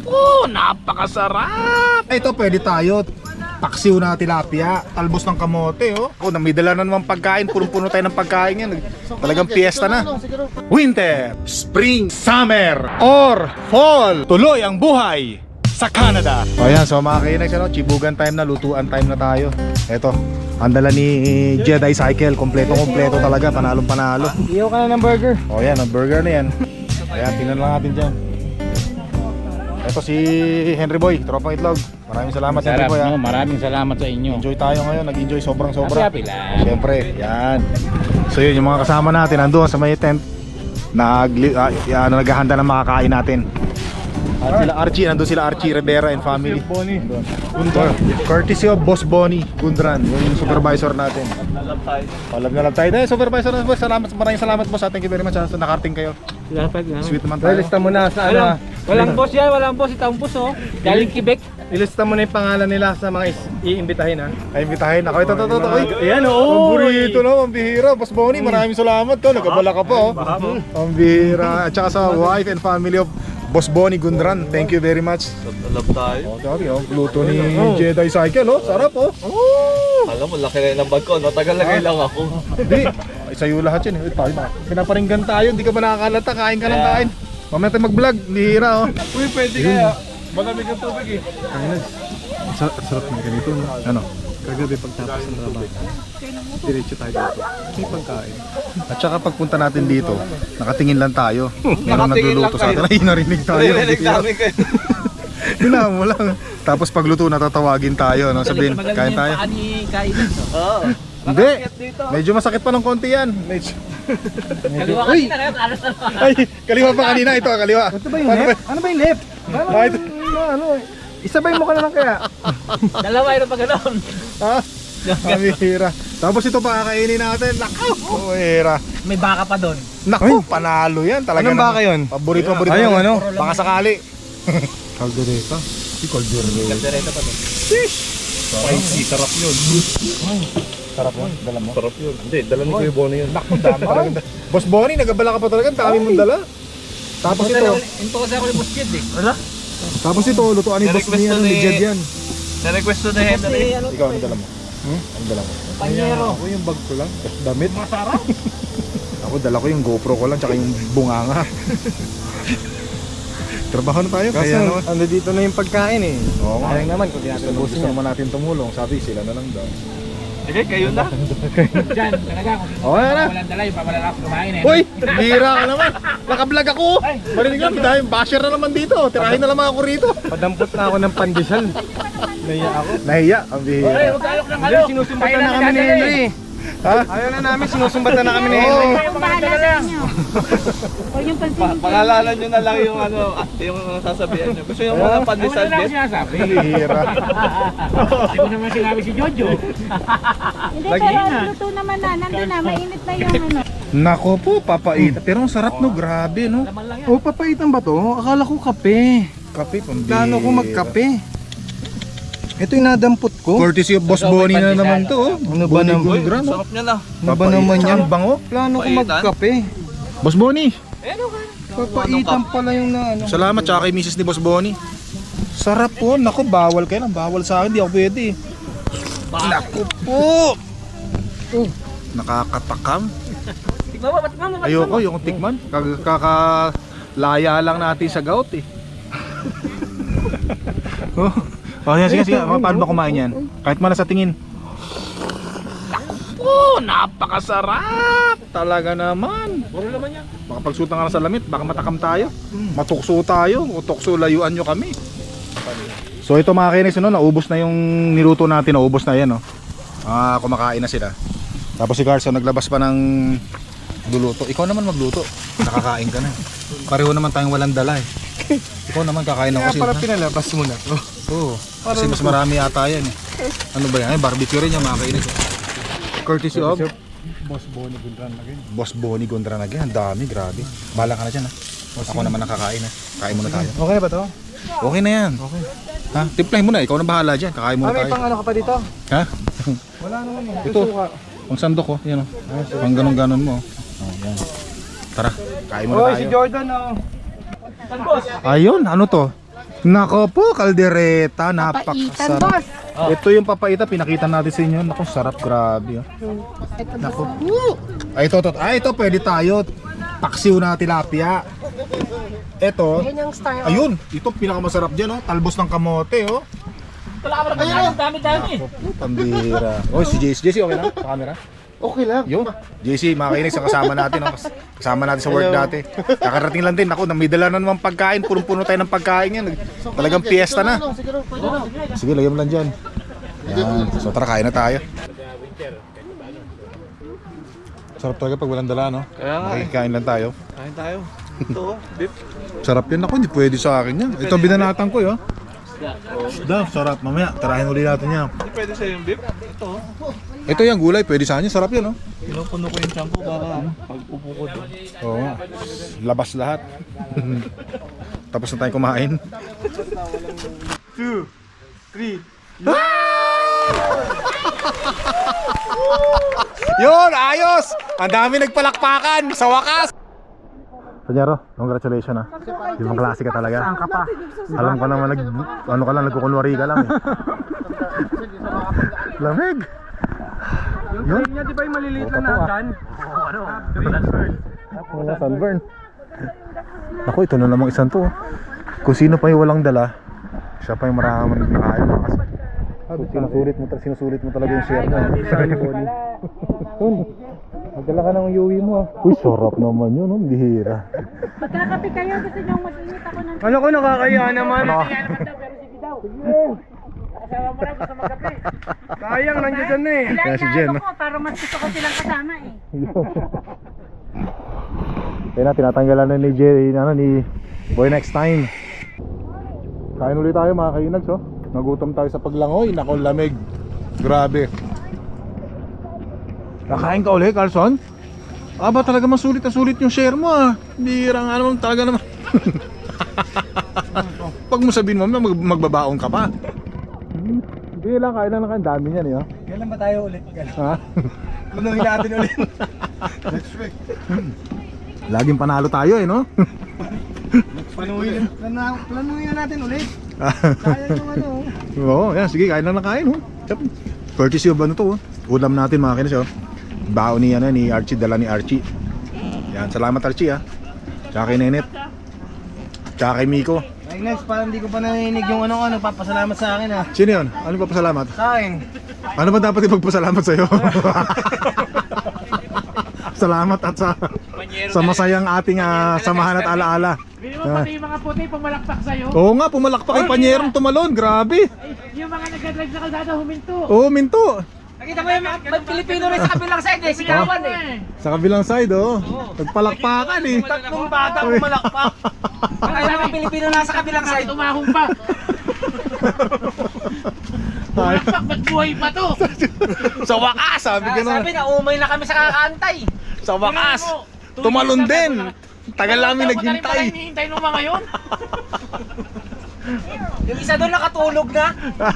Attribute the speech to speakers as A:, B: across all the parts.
A: Naku, napakasarap! Ito pwede tayo. Paksiw na tilapia, talbos ng kamote, oh. Oh, may dala na naman pagkain, punong-puno tayo ng pagkain yan. Talagang piyesta na. Winter, spring, summer, or fall. Tuloy ang buhay sa Canada. O yan, so mga kainags, ano, chibugan time na, lutuan time na tayo. Eto, ang dala ni Jedi Cycle, kompleto talaga, panalong panalo.
B: Iyaw ka na ng burger.
A: O yan, ang burger na yan. Ayan, tingnan lang natin dyan. Ito si Henry Boy, tropang itlog. Maraming salamat, Henry Boy.
B: No? Maraming salamat sa inyo.
A: Enjoy tayo ngayon, nag-enjoy sobra.
B: Happy lang.
A: Siyempre, yan. So yun, yung mga kasama natin nandoon sa may tent, naghahanda ng makakain natin. At sila Archie, nandun sila Archie Rivera and family. Courtesy of Boss Bonnie Gundran, yung supervisor natin. Palab na lang tayo. Supervisor na boss, maraming salamat boss. Thank you very much sa nakarating kayo. Sweet naman tayo.
B: Ilista mo na sa ano. Walang boss yan, walang boss. Itang boss, oh. Galing Quebec.
C: Ilista mo na yung pangalan nila sa mga iimbitahin, ha?
A: Ay, imbitahin ako. Ito.
C: Ayan,
A: oh. Ang burrito na, ang bihira. Boss Bonnie, maraming salamat to. Nagabala ka pa, oh. Ang bihira. At saka sa wife and family of Boss Bonnie Gundran, thank you very much.
D: Love tayo.
A: Oh, sabi, oh, luto ni Jedi Cycle, oh. Sarap, oh.
D: Alam mo, laki rin ng bag ko, no? Tagal-lagay lang ako.
A: Hindi, sa'yo lahat yun, eh. Pinaparinggan tayo, hindi ka ba nakakalata, kain ka ng kain. Mamaya tayo mag-vlog, bihira, oh.
D: Uy, pwede kaya. Malamig ang tubig, eh.
A: Sarap ng ganito, no? Ano?
C: Kagabi pagtapos ng trabaho, diretso tayo dito. May pagkain.
A: At saka pagpunta natin dito, nakatingin lang tayo. Merong
D: Nakatingin
A: nagluluto
D: lang
A: sa atin. Ay, narinig tayo.
D: Narinig namin kayo.
A: Hina mo lang. Tapos pagluto, natatawagin tayo. No? Sabihin, kain tayo.
D: Oo.
A: Hindi. Medyo masakit pa ng konti yan. Uy! Ay, kaliwa pa kanina. Ito, kaliwa.
C: Ito ba yung lip? Ano ba yung lip? Ano? Isabay mo ka na lang kaya.
B: Dalawa yun pa ganoon.
A: Ha? Kamihira. Tapos ito pa kakainin natin. Naku! Kamihira.
B: May baka pa doon.
A: Naku, panalo yan. Talaga
C: Anong baka yun?
A: Paborito.
C: Ay, yung ano?
A: Baka sakali. Caldereta. Si Caldereta.
D: Kaldereta pa doon.
A: Spicy, sarap yun. Sarap yun, dala mo?
D: Sarap yun. Hindi, dala ni Kuya Bono yun.
A: Naku, dami talaga. Boss Bonnie, nagabala ka pa talaga. Dami mong dala. Tapos ito.
B: Ito kasi ako yung buskid, eh.
A: Tapos ito, lutuan ni Boss niya ni Jed yan.
D: Na-request na Henry.
A: Ikaw, ano dala mo? Ano dala mo?
B: Panyero.
A: Ako yung bag ko lang. Damit. Masarap. Ako, dala ko yung GoPro ko lang, tsaka yung bunganga. Trabaho na tayo.
C: Kasi
A: Kaya naman.
C: ano dito na yung pagkain, eh.
A: Oo nga.
C: Sayang naman kung
A: Gusto naman natin tumulong. Sabi, sila na lang daw.
D: Sige, kayo na.
B: Diyan, talaga. Kung
A: Okay na.
B: walang dala, yung pamalala ko kumain, eh.
A: Uy! Bira ka naman! Naka-vlog ako! Marinig lang, dahil basher na naman dito. Tirahin na naman ako rito.
C: Padampot na ako ng pandesal. Naiya ako.
A: Nahiya, ang bihira.
B: Magkaalok ng
C: Hindi, sinusumbatan na kami ni Henry.
A: Ha?
C: Ayaw na namin, sinusumbatan na kami ni Henry.
E: Ang bahala sa inyo. O yung pansin.
D: Pangalanan nyo na lang yung ano, yung sasabihan nyo. Gusto yung mga pandesal
B: Ano lang
D: din?
B: sinasabi?
A: Bihira.
B: Hindi ko naman sinabi si Jojo.
E: Hindi, pero luto naman na. Nandun na, mainit na yung ano.
A: Nako po, papait. Pero ang sarap no, grabe no.
C: Oh, papaitan ba to? Akala ko kape.
A: Kape, pambihira.
C: Plano ko magkape. Ito yung nadampot ko.
A: Courtesy of Boss Bonnie na naman to. Oh.
C: Ano ba
A: Bonnie
C: naman?
A: Gundran, oh.
D: Sarap niya na.
C: Ano ba naman yan?
A: Ang bango.
C: Plano ko
D: Papaitan?
C: magkape.
A: Boss Bonnie,
C: Papaitan pala yung na ano.
A: salamat tsaka kay Mrs. ni Boss Bonnie. Sarap po. Nako, bawal kayo lang. Bawal sa akin, di ako pwede. Nako po. Nakakatakam.
B: Tignan mo, ba't mo?
A: Ayoko, yung tikman. Kakalaya lang natin sa gout eh. Oh, yan, sige. Paano ba kumain yan? Kahit mala sa tingin. Naku, napakasarap! Talaga naman.
B: Puro naman yan.
A: Baka pagsutan ka na sa lamit, baka matakam tayo. Matukso tayo, o tukso layuan nyo kami. So ito mga kinis, no, naubos na yung niluto natin, naubos na yan. No? Kumakain na sila. Tapos si Carson naglabas pa ng luluto. Ikaw naman magluto, nakakain ka na. Pareho naman tayong walang dala eh. Ikaw naman kakain ako
C: Kaya
A: kasi.
C: para pinalabas mo na to.
A: Oo, kasi mas marami ata yan eh. Ano ba yan? Ay, barbecue rin yan mga kainis. Courtesy of
C: Boss Bonnie Gundran again.
A: Boss Bonnie Gundran again. Ang dami, grabe. Bala ka na dyan ha. Ako naman nakakain ha. Kain muna tayo.
C: Okay ba to?
A: Okay na yan.
C: Okay.
A: Ha? Timplahin mo na, ikaw na bahala dyan. Kakain muna
C: May
A: tayo.
C: pang ano ka pa dito?
A: Ha?
C: Wala naman eh.
A: Ito.
C: Suka.
A: Pang sandok oh. Yan oh. Pang ganon-ganon mo. Oh, yan. Tara, kain muna
C: Oy,
A: tayo.
C: si Jordan oh.
A: Ayun, ano to? Nako po, kaldereta,
E: Papaitan,
A: napakasarap.
E: boss.
A: Ito yung papaita, pinakita natin sa inyo. Nako, sarap, grabe. Oh.
E: Ito,
A: Nako po. Ay, ito, pwede tayo. Paksiw na tilapia. Ito,
E: Yan yung style.
A: ayun, ito pinakamasarap dyan, oh. Talbos ng kamote, oh.
B: Ayun, dami-dami.
A: Nako po, pambira. Oh, si JC, okay lang sa camera?
C: Okay lang.
A: Yun, JC, makinig sa kasama natin, oh. Kasama natin sa work dati. Kakarating lang din, ako, namidala na naman pagkain, punong-puno tayo ng pagkain yan. Talagang piyesta na. Sige, lagyan mo lang dyan. Yan, so tara, kain na tayo. Sarap talaga pag walang dala, no?
D: Kaya nga eh.
A: Makikain lang tayo.
D: Kain tayo. Ito oh, beef.
A: Sarap yan ako, hindi pwede sa akin yan. Ito binanatan ko, yun. Isda, sarap. Mamaya, tarahin ulit natin yan.
D: Hindi pwede sa'yo yung beef. Ito oh.
A: Ito yung gulay, pwede sa kanya, sarap yan, no?
D: Pinupuno ko yung shampoo para pag upo ko doon.
A: Oo nga. Labas lahat. Tapos na tayo kumain.
C: 2, 3.
A: Yun, ayos! Ang dami nagpalakpakan sa wakas! Panyero, congratulations ah. Ibang klase ka talaga. Saan ka pa? Alam ko naman, nagkukunwari ka lang eh. Lamig! Yun?
B: Niya, di ba yung maliliit
A: na
B: nagan?
A: Wala sunburn. Ako, ito na namang isang to. Kung sino pa yung walang dala, siya pa yung maraming nakain. Sinusulit mo talaga yung share mo. Magdala ka ng uyuwi mo. Uy, sarap naman yun, bihira.
E: Magkakape kayo, gusto nyo mag-init ako ng...
B: Ano ko nakakaya naman?
A: Ano?
B: Sayang, nandiyan na eh.
A: Kaya si Jen, no?
E: ko, para mas gusto ko silang kasama eh.
A: Kaya na, tinatanggalan na ni Jerry, ni Boy next time. Kain ulit tayo mga kainags, oh. Nagutom tayo sa paglangoy, nako lamig. Grabe. Nakain ka ulit, Carlson? Aba, talaga masulit na sulit yung share mo ah. Bira nga naman, talaga naman. Pag mo sabihin mo, magbabaon ka pa. Hindi lang, kain lang kain. Dami niyan eh. Oh.
B: Kailan ba tayo ulit?
A: Ha?
B: Planuhin natin ulit.
A: Laging panalo tayo eh, no?
B: Planuhin na natin ulit. Sayang yung ano.
A: Oo, yan. Sige, kain lang na kain. Oh. Courtesy of ano to. Oh. Ulam natin mga kinis. Oh. Bao ni Archie, dala ni Archie. Yan, salamat Archie ah. Tsaka kay Nenet. Tsaka kay Miko.
B: Agnes, parang hindi ko pa narinig yung ano papasalamat sa akin ah.
A: Sino yun? Ano pa pasalamat?
B: Sa akin.
A: Ano ba dapat ipagpasalamat sa'yo? Salamat at sa masayang ating samahan at alaala.
F: Hindi mo pati yung mga puti pumalakpak sa'yo.
A: Oo nga, pumalakpak yung panyerong tumalon. Grabe.
F: Yung mga nagdadrive sa kalsada huminto.
A: Oo, minto.
F: Nakita mo yung mga Pilipino rin sa kabilang side eh, sigawan eh.
A: Sa kabilang side, oh. Nagpalakpakan eh.
B: Tatlong bata pumalakpak.
F: Kaya mga Pilipino nasa kabilang side, umahong pa. Pumalakpak, ba't buhay pa to?
A: Sa wakas, sabi ko na.
F: Sabi na, umay na kami sa kakaantay.
A: Sa wakas, tumalon din. Tagal namin naghintay.
F: Madaling hinihintay nung mga yun. Yung isa doon nakatulog na.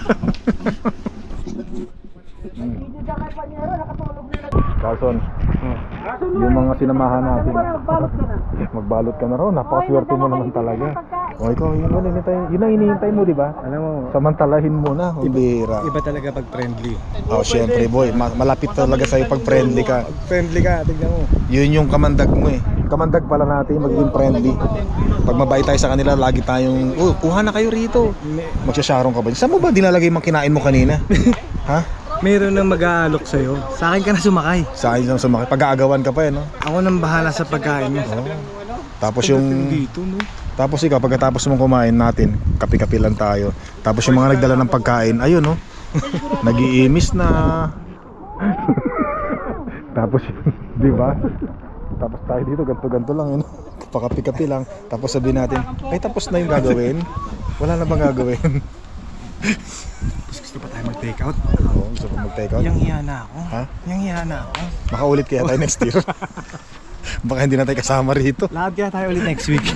A: Carlson, yung mga sinamahan natin, magbalot ka na raw, napakaswerte mo naman talaga. O ikaw, yun ang hinihintay mo, di ba?
C: Alam mo,
A: Samantalahin mo na, bira.
C: iba talaga pag friendly.
A: Oh, syempre boy, malapit talaga sa'yo pag friendly ka.
C: Friendly ka, tignan mo.
A: Yun yung kamandag mo eh. Kamandag pala natin maging friendly. Pag mabait tayo sa kanila, lagi tayong, oh, kuha na kayo rito. Magsasarong ka ba? Saan mo ba dinalagay yung kinain mo kanina? Ha?
C: Meron nang mag-aalok sa'yo. Sa akin ka na sumakay.
A: Sa akin lang sumakay. Pag-aagawan ka pa eh, no?
C: Ako nang bahala sa pagkain mo.
A: Oh. Tapos yung...
C: Dito, no?
A: Tapos ikaw, pagkatapos mong kumain natin, kape-kape lang tayo. Tapos yung mga nagdala ng pagkain, ayun no? Nag-iimis na. Tapos, di ba? Tapos tayo dito, ganto-ganto lang yun. Pakapi-kapi lang. Tapos sabihin natin, ay tapos na yung gagawin. Wala na bang gagawin?
C: Gusto pa tayo mag-take out?
A: Oo, gusto ko mag-take out.
C: Yang hiya na ako.
A: Ha?
C: Yang hiya na ako.
A: Makaulit kaya tayo next year. Baka hindi na tayo kasama rito.
C: Lahat kaya tayo ulit next week.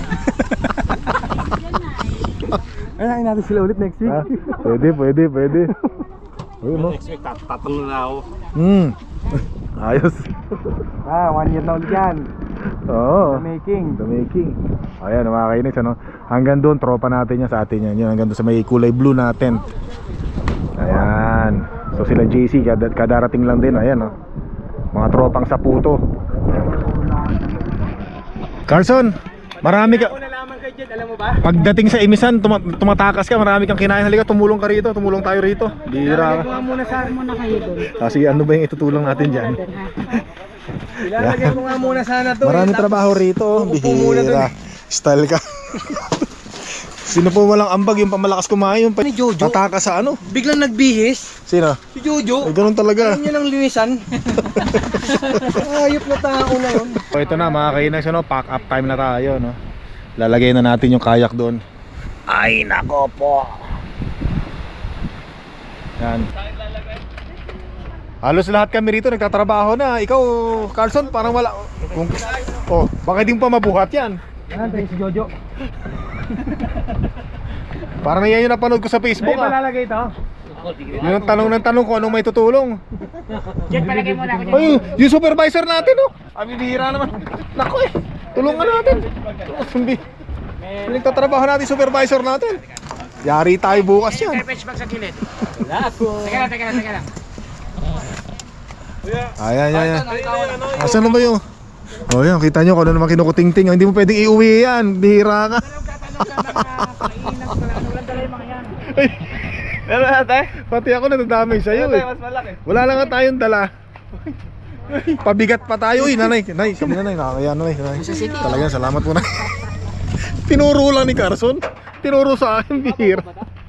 C: Ayun natin sila ulit next week.
A: Ha? Pwede. Ayun no?
B: Next week, tatanong na ako.
A: Ayos.
C: 1 year na ulit yan.
A: Oo.
C: The making.
A: The making. Ayan mga kainis, ano? Hanggang doon, tropa natin yan sa atin yan. Yun, hanggang doon sa may kulay blue na tent. Ayan. So sila JC, kadarating lang din. Ayan, oh. Mga tropang Saputo. Carson, marami ka.
B: Nalaman kay Jed, alam mo ba?
A: Pagdating sa Imisan, tumatakas ka, marami kang kinain. Halika, tumulong ka rito, tumulong tayo rito. Bira ka.
B: Muna kayo doon.
A: Kasi ano ba yung itutulong natin dyan?
B: Ilalagay mo nga muna sana to.
A: Marami trabaho rito, oh. Bihira. Style ka. Sino po walang ambag, yung pamalakas kumain, yung
B: Ni Jojo.
A: tatakas sa ano?
B: Biglang nagbihis.
A: Sino?
B: Si Jojo.
A: Ay, ganun talaga.
B: Yan ang linisan. Ayop na tao na yun.
A: So ito na mga kainis, ano, pack up time na tayo, no? Lalagay na natin yung kayak doon. Ay nako po. Yan. Halos lahat kami rito nagtatrabaho na. Ikaw, Carlson, parang wala. Oh, baka di mo pa mabuhat yan.
B: Yan, si Jojo.
A: Parang yan yung napanood ko sa Facebook,
B: Ay, malalagay ito.
A: Yun ang tanong ng tanong kung anong may tutulong.
F: Jed, palagay mo na ako dyan.
A: Ay, yung supervisor natin, oh. Bihira naman. Nako eh. Tulungan natin. Pinagtatrabaho natin supervisor natin. Yari tayo bukas yan.
F: Garbage bag sa gilid. Teka lang.
A: Ayan. Asan na ba yung? Oh, yan, kita nyo kung ano naman kinukuting-ting. Hindi mo pwedeng iuwi yan. Bihira ka.
D: Meron natin?
A: Pati ako nadadamay sa'yo eh.
D: Mas malaki.
A: Wala lang nga tayong dala. Pabigat pa tayo eh, nanay. Nay, kami nanay, nakakaya nanay. Talagang salamat po na. Tinuro lang ni Carson. Tinuro sa akin, bihira.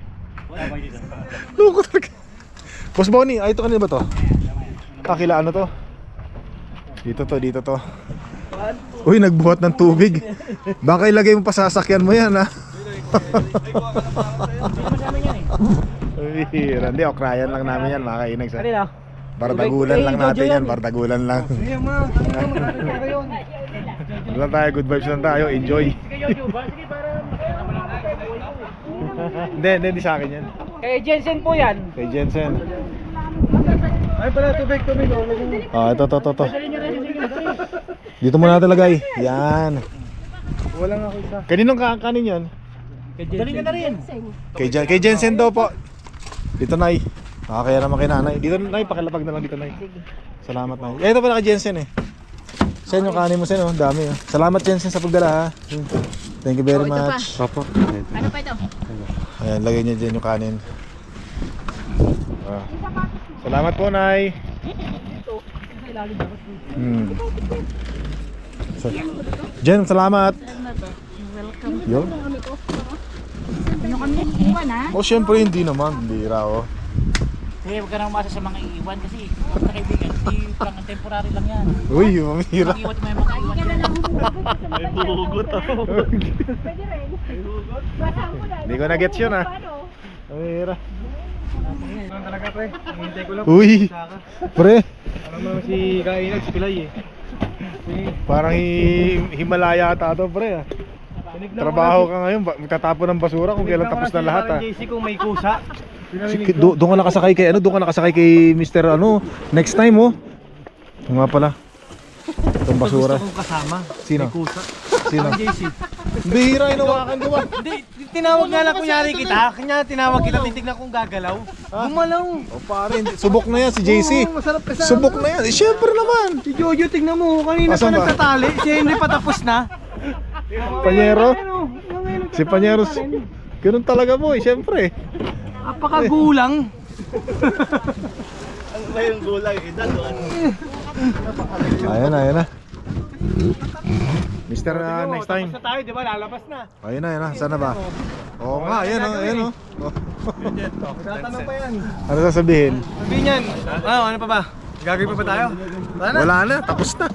A: Loko talaga. Boss Bonnie, ito kanina ba to? Kila ano to? Dito to. Uy, nagbuhat ng tubig. Baka ilagay mo pa sa sasakyan mo yan, ha? Bihira. Hindi, okrayan lang namin yan, mga kainag sa.
B: Kanina.
A: Bardagulan lang natin yan, bardagulan lang.
B: Sige ma, yun.
A: Ano lang tayo, good vibes lang tayo, enjoy. Hindi sa akin yan.
F: Kay Jensen po yan.
A: Kay Jensen.
B: Ay pala, tubig.
A: Ito. Dito muna natin lagay. Yan.
B: Wala nga ako isa.
A: Kaninong kakanin yan?
B: Dali ka na rin.
A: Kay Jensen daw po. Dito, Nay. Kaya naman kay nanay. Dito, Nay, pakilapag na lang dito, Nay. Salamat, Nay. Ito pala kay Jensen eh. Sen yung kanin mo, Sen, oh. Dami, oh. Salamat, Jensen, sa pagdala, ha. Thank you very much.
C: Opo.
E: Ano pa ito?
A: Ayan, lagay niya dyan yung kanin. Salamat po, Nay. Jen, salamat. Yun.
E: Ano kami? Iwan ha?
A: Oh, syempre hindi naman. Bira, oh.
F: Sige, huwag ka nang umasa sa mga iiwan kasi sa kaibigan, hindi pang temporary lang yan.
A: Uy, mamira.
F: Ang iwan mo yung mga iwan.
D: May buhugot ako.
E: Pwede rin. Basta mo na.
A: Hindi ko na-gets yun, ah. Mamira.
B: Ano talaga pre? Hintay ko lang.
A: Uy, pre.
B: Alam mo naman si Kainag, si Pilay eh.
A: Parang Himalaya ata to, pre, ah. Trabaho ka ngayon, magtatapon ng basura kung kailan tapos na lahat, ah.
B: JC kung may kusa.
A: Doon ka nakasakay kay doon ka nakasakay kay Mr. Next time, oh. Yung nga pala. Itong basura.
B: Gusto kong kasama.
A: Sino?
B: May kusa.
A: Sino?
B: JC.
A: Bihira, inawakan ko ba?
B: Hindi, tinawag nga lang kunyari kita. Kanya tinawag kita, titignan kong gagalaw. Gumalaw.
A: O pare, subok na yan si JC.
B: Oo, masarap kasama.
A: Subok na yan. Eh, syempre naman.
B: Si Jojo, tignan mo. Kanina
A: Asan
B: pa
A: ba?
B: nagtatali. Siya hindi pa tapos na.
A: Panyero. Si Panyero. Ganun talaga mo, syempre.
B: Apakagulang.
D: Ano ba yung gulang? Edad doon.
A: Ayan na. Mr. Next time.
B: Tapos na tayo, di ba? Lalabas na.
A: Ayun na. Saan na ba? Oo nga, ayan, oh.
B: Tatanong pa yan.
A: Ano sasabihin?
B: Sabihin yan. Ano pa ba? Gagawin pa ba tayo?
A: Wala na, tapos na.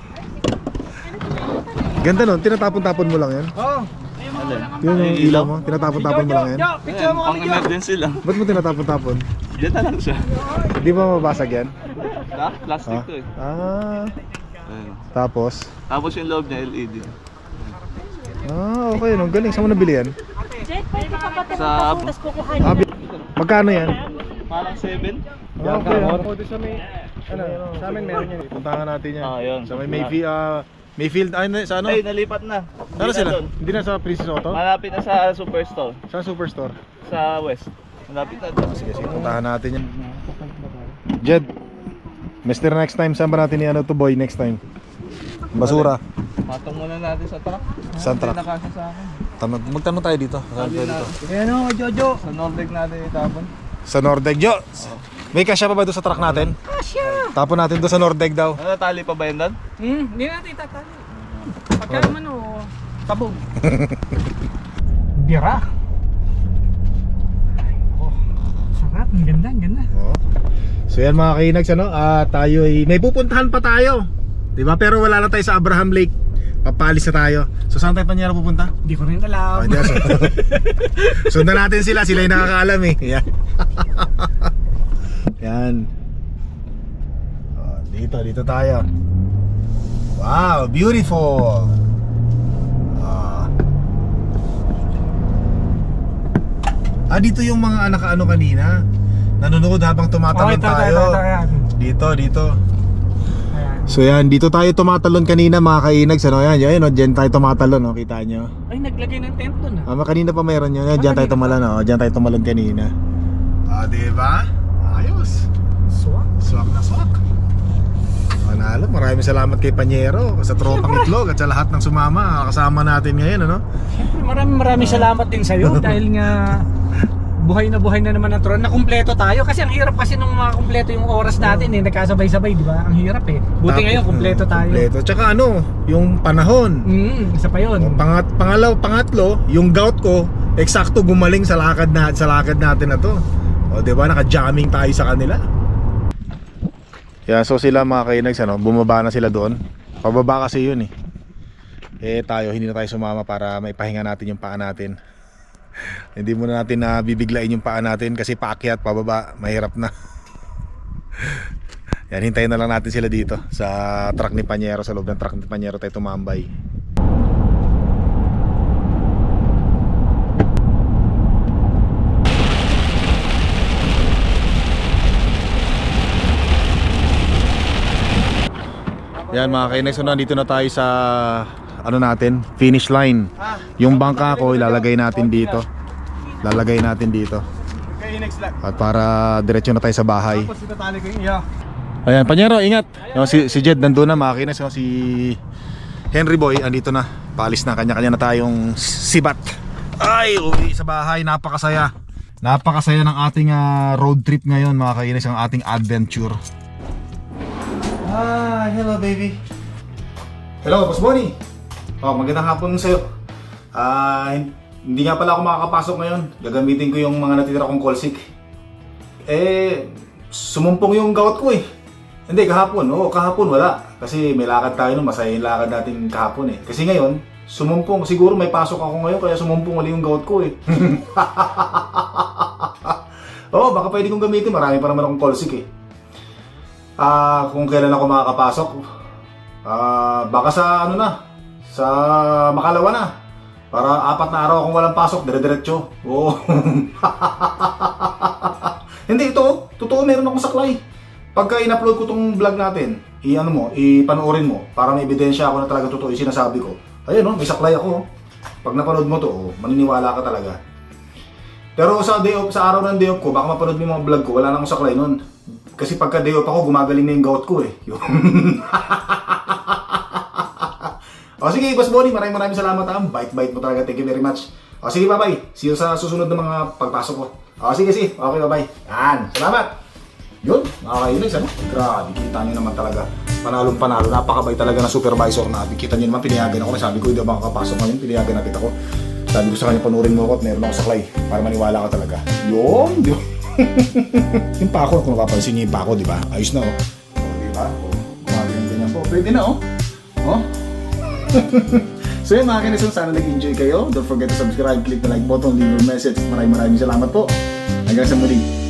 A: Ganda nun, tinatapon-tapon mo lang yan.
B: Oo.
A: Yun yung ilaw mo, tinatapon-tapon mo lang yan.
B: Jo, picture mo
D: Pang
B: kami, Jo.
D: emergency lang.
A: Ba't mo tinatapon-tapon?
D: Diyan na lang siya.
A: Hindi ba mabasag yan?
D: Plastic to eh. Ayun.
A: Tapos?
D: Tapos yung loob niya LED.
A: Okay, no, galing. Saan mo nabili yan?
E: Jet, pwede ka ba
D: Sa
E: tapos kukuhanin na?
A: Magkano yan?
D: Parang 7.
A: Okay,
B: Sa amin meron yan.
A: puntahan natin yan.
D: Yun.
A: Sa may Mayfield, sa ano?
D: Ay, nalipat na.
A: Ano
D: Hindi na
A: sila?
D: doon.
A: Hindi na sa Princess Auto?
D: Malapit na sa Superstore.
A: Sa Superstore?
D: Sa West. Malapit na doon.
A: Sige, puntahan natin yan. Jed, Mr. Next time, saan ba natin to boy next time? Basura.
D: Matong muna natin sa truck.
A: Saan truck?
D: Hindi na kasi sa akin.
A: Magtanong tayo dito. Saan tayo dito?
B: Ayan o, Jojo.
D: Sa Nordic natin itapon.
A: Sa Nordeg, Jo. May kasya pa ba doon sa truck natin?
E: Kasya.
A: Tapon natin doon sa Nordeg daw.
D: Ano, tali pa ba yun doon?
B: Hindi natin itatali. Pagka naman o, tabog. Bira. Oh, sarap. Ang ganda, ang ganda.
A: So yan mga kainags, tayo may pupuntahan pa tayo. 'Di ba? Pero wala na tayo sa Abraham Lake. Papalis na tayo. So saan tayo Panyero pupunta?
B: Hindi ko rin alam.
A: Hindi, sundan natin sila yung nakakaalam eh. Yan. Yan. Dito tayo. Wow, beautiful. Dito yung mga nakaano kanina. Nanonood habang tumatalon tayo. Dito.
B: Ayan.
A: So yan, dito tayo tumatalon kanina mga kainags. Diyan tayo tumatalon, kita nyo.
B: Ay, naglagay ng tent doon
A: Kanina pa mayroon yun. Diyan tayo tumalon, diyan tayo tumalon kanina. Diba? Ayos. Swak na swak. Manalo, maraming salamat kay Panyero sa tropang itlog at sa lahat ng sumama kasama natin ngayon,
B: Siyempre, maraming salamat din sa'yo dahil nga buhay na naman ang tron. Nakumpleto tayo kasi ang hirap kasi nung makakumpleto yung oras natin nagkasabay-sabay, di ba? Ang hirap Buti ngayon kumpleto tayo.
A: Tsaka yung panahon.
B: Isa pa yun.
A: Pangatlo, yung gout ko eksakto gumaling sa lakad natin na to. Di ba? Naka-jamming tayo sa kanila. Yeah, so sila mga kainags, bumaba na sila doon. Pababa kasi yun tayo hindi na tayo sumama para maipahinga natin yung paa natin. Hindi muna natin bibiglain yung paa natin kasi paakyat, pababa, mahirap na. Yan, hintayin na lang natin sila dito sa truck ni Panyero, sa loob ng truck ni Panyero tayo tumambay. Yan mga kainags, nandito na tayo sa finish line. Yung bangka ko ilalagay natin dito. At para diretso na tayo sa bahay. Ayan, Panyero, ingat. Si Jed nandun na mga kainags, si Henry Boy andito na. Paalis na, kanya-kanya na tayong sibat. Ay, uwi sa bahay, napakasaya. Napakasaya ng ating road trip ngayon mga kainags, ang ating adventure. Hello baby. Hello, Boss Bonnie. Magandang hapon sa'yo. Hindi nga pala ako makakapasok ngayon. Gagamitin ko yung mga natitira kong callsick. Sumumpong yung gout ko Hindi, kahapon. Kahapon wala. Kasi may lakad tayo masaya yung lakad natin kahapon Kasi ngayon, sumumpong. Siguro may pasok ako ngayon kaya sumumpong ulit yung gout ko baka pwede kong gamitin. Marami pa naman akong callsick kung kailan ako makakapasok, baka sa sa Makalawa na. Para 4 na araw akong walang pasok, dire-diretso. Hindi, totoo, meron akong saklay. Pagka in-upload ko tong vlog natin, ipanoorin mo para may ebidensya ako na talaga totoo yung sinasabi ko. Ayun, may saklay ako. Pag napanood mo to, maniniwala ka talaga. Pero sa araw ng day off ko, baka mapanood mo yung mga vlog ko, wala na akong saklay nun. Kasi pagka day off ako, gumagaling na yung gout ko Sige, Boss Bonnie, maraming salamat Bite mo talaga, thank you very much. Sige, bye-bye. See you sa susunod na mga pagpasok ko. Sige. Okay, bye-bye. Yan, salamat. Yun, mga kainags, grabe, kita nyo naman talaga. Panalo. Napakabay talaga na supervisor na. Kita nyo naman, pinayagan ako. Sabi ko, hindi ako makakapasok ngayon, pinayagan na kita ko. Sabi ko sa kanya, panurin mo ako at meron ako saklay para maniwala ka talaga. Yun. Yung pako, kung napapansin niyo yung pako, di ba? Ayos na di ba? Ganyan po. Pwede na So yun mga kainags, sana nag-enjoy kayo. Don't forget to subscribe, click the like button, leave your message. Maraming salamat po. Hanggang sa muli.